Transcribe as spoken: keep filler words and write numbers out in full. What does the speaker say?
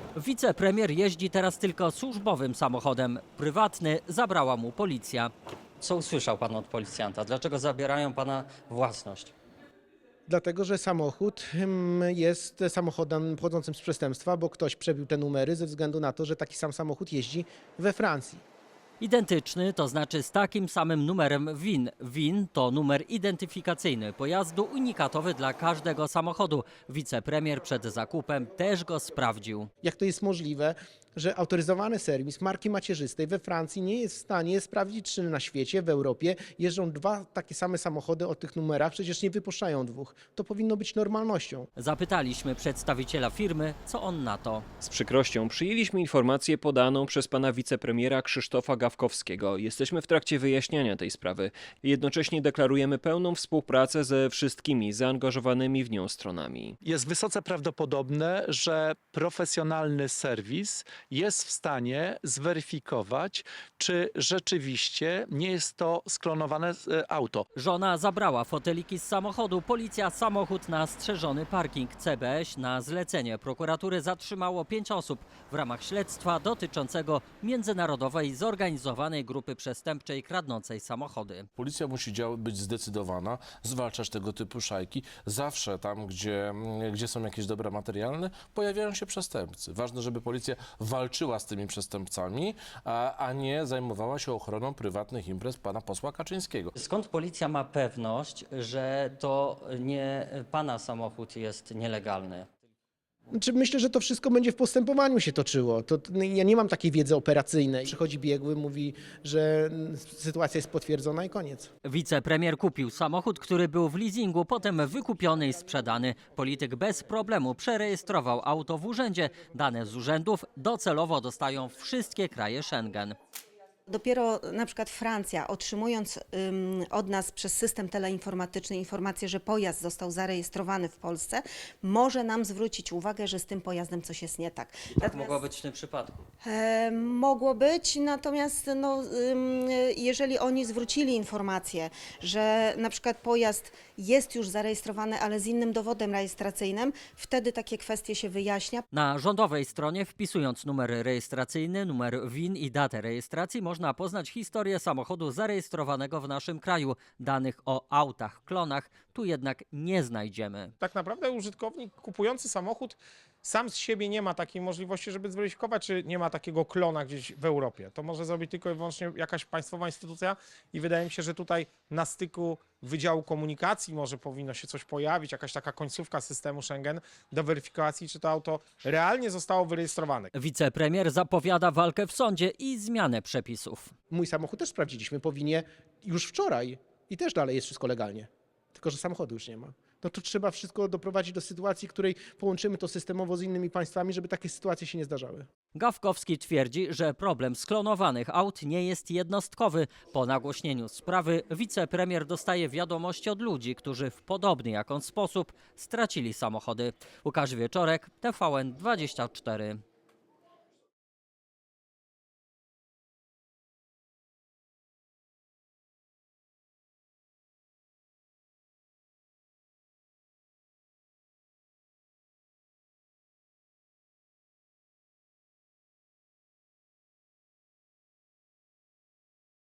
Wicepremier jeździ teraz tylko służbowym samochodem. Prywatny zabrała mu policja. Co usłyszał pan od policjanta? Dlaczego zabierają pana własność? Dlatego, że samochód mm, jest samochodem pochodzącym z przestępstwa, bo ktoś przebił te numery ze względu na to, że taki sam samochód jeździ we Francji. Identyczny, to znaczy z takim samym numerem V I N. V I N to numer identyfikacyjny pojazdu unikatowy dla każdego samochodu. Wicepremier przed zakupem też go sprawdził. Jak to jest możliwe, że autoryzowany serwis marki macierzystej we Francji nie jest w stanie sprawdzić, czy na świecie, w Europie jeżdżą dwa takie same samochody o tych numerach, przecież nie wypuszczają dwóch. To powinno być normalnością. Zapytaliśmy przedstawiciela firmy, co on na to. Z przykrością przyjęliśmy informację podaną przez pana wicepremiera Krzysztofa Gawkowskiego. Jesteśmy w trakcie wyjaśniania tej sprawy. Jednocześnie deklarujemy pełną współpracę ze wszystkimi zaangażowanymi w nią stronami. Jest wysoce prawdopodobne, że profesjonalny serwis jest w stanie zweryfikować, czy rzeczywiście nie jest to sklonowane e, auto. Żona zabrała foteliki z samochodu, policja samochód na strzeżony parking. C B S na zlecenie prokuratury zatrzymało pięć osób w ramach śledztwa dotyczącego międzynarodowej zorganizowanej grupy przestępczej kradnącej samochody. Policja musi dział- być zdecydowana, zwalczać tego typu szajki. Zawsze tam, gdzie, gdzie są jakieś dobra materialne, pojawiają się przestępcy. Ważne, żeby policja walczyła z tymi przestępcami, a, a nie zajmowała się ochroną prywatnych imprez pana posła Kaczyńskiego. Skąd policja ma pewność, że to nie pana samochód jest nielegalny? Znaczy, myślę, że to wszystko będzie w postępowaniu się toczyło. To, ja nie mam takiej wiedzy operacyjnej. Przychodzi biegły, mówi, że mm, sytuacja jest potwierdzona i koniec. Wicepremier kupił samochód, który był w leasingu, potem wykupiony i sprzedany. Polityk bez problemu przerejestrował auto w urzędzie. Dane z urzędów docelowo dostają wszystkie kraje Schengen. Dopiero na przykład Francja, otrzymując ym, od nas przez system teleinformatyczny informację, że pojazd został zarejestrowany w Polsce, może nam zwrócić uwagę, że z tym pojazdem coś jest nie tak. Tak mogło być w tym przypadku. E, mogło być, natomiast no, ym, jeżeli oni zwrócili informację, że na przykład pojazd jest już zarejestrowany, ale z innym dowodem rejestracyjnym, wtedy takie kwestie się wyjaśnia. Na rządowej stronie, wpisując numer rejestracyjny, numer V I N i datę rejestracji, można poznać historię samochodu zarejestrowanego w naszym kraju. Danych o autach, klonach tu jednak nie znajdziemy. Tak naprawdę użytkownik kupujący samochód sam z siebie nie ma takiej możliwości, żeby zweryfikować, czy nie ma takiego klona gdzieś w Europie. To może zrobić tylko i wyłącznie jakaś państwowa instytucja i wydaje mi się, że tutaj na styku Wydziału Komunikacji może powinno się coś pojawić, jakaś taka końcówka systemu Schengen do weryfikacji, czy to auto realnie zostało wyrejestrowane. Wicepremier zapowiada walkę w sądzie i zmianę przepisów. Mój samochód też sprawdziliśmy po winie już wczoraj i też dalej jest wszystko legalnie. Tylko że samochodu już nie ma. No to trzeba wszystko doprowadzić do sytuacji, w której połączymy to systemowo z innymi państwami, żeby takie sytuacje się nie zdarzały. Gawkowski twierdzi, że problem sklonowanych aut nie jest jednostkowy. Po nagłośnieniu sprawy wicepremier dostaje wiadomości od ludzi, którzy w podobny jak on sposób stracili samochody. Łukasz Wieczorek, T V N dwadzieścia cztery.